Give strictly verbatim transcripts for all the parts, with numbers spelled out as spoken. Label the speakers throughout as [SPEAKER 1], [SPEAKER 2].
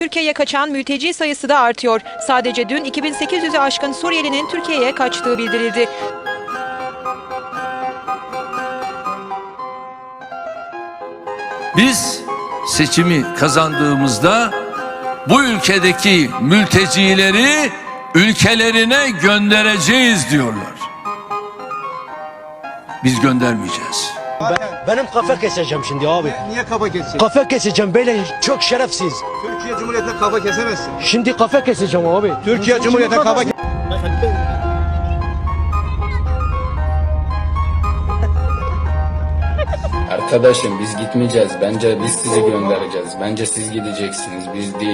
[SPEAKER 1] Türkiye'ye kaçan mülteci sayısı da artıyor. Sadece dün iki bin sekiz yüzü aşkın Suriyelinin Türkiye'ye kaçtığı bildirildi.
[SPEAKER 2] Biz seçimi kazandığımızda bu ülkedeki mültecileri ülkelerine göndereceğiz diyorlar. Biz göndermeyeceğiz.
[SPEAKER 3] Ben, benim kafa keseceğim şimdi abi.
[SPEAKER 4] Niye kafa keseceksin?
[SPEAKER 3] Kafa keseceğim böyle çok şerefsiz.
[SPEAKER 4] Türkiye Cumhuriyeti'ne kafa kesemezsin.
[SPEAKER 3] Şimdi kafa keseceğim abi.
[SPEAKER 4] Türkiye Cumhuriyeti'ne kafa kes...
[SPEAKER 5] Arkadaşım biz gitmeyeceğiz. Bence biz sizi göndereceğiz. Bence siz gideceksiniz. Biz değil.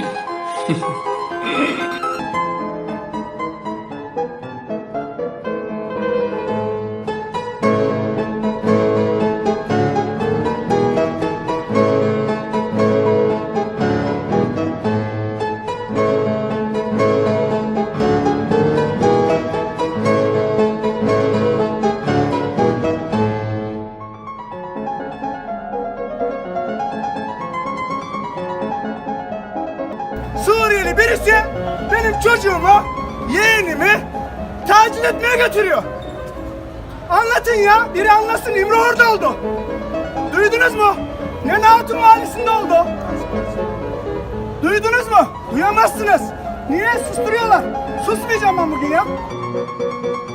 [SPEAKER 6] Suriyeli birisi benim çocuğumu, yeğenimi taciz etmeye götürüyor. Anlatın ya, biri anlasın. İmre orada oldu. Duydunuz mu? Nene Hatun Mahallesi'nde oldu. Duydunuz mu? Duyamazsınız. Niye susturuyorlar? Susmayacağım ben bugün ya.